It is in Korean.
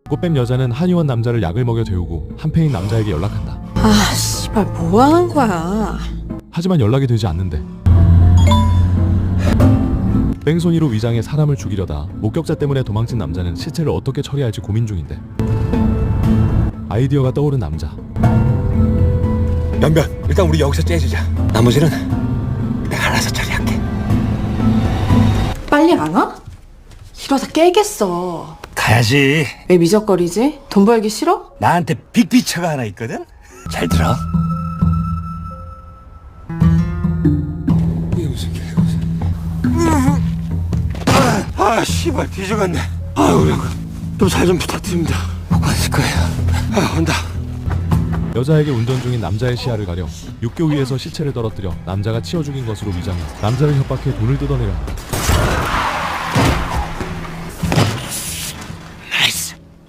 꽃뱀 여자는 한의원 남자를 약을 먹여 데우고 한패인 남자에게 연락한다. 아 씨발 뭐하는 거야. 하지만 연락이 되지 않는데 뺑소니로 위장해 사람을 죽이려다 목격자 때문에 도망친 남자는 시체를 어떻게 처리할지 고민 중인데 아이디어가 떠오른 남자. 연변, 일단 우리 여기서 째주자. 나머지는 내가 알아서 처리할게. 빨리 안 와? 이러다 깨겠어. 가야지. 왜 미적거리지? 돈 벌기 싫어? 나한테 빅피처가 하나 있거든? 잘 들어. 이게 무슨 개고생. 씨발 뒤져갔네. 아유, 좀 잘 좀 부탁드립니다. 못 갔을 거예요. 온다. 여자에게 운전 중인 남자의 시야를 가려 육교 위에서 시체를 떨어뜨려 남자가 치워 죽인 것으로 위장해 남자를 협박해 돈을 뜯어내려 한다.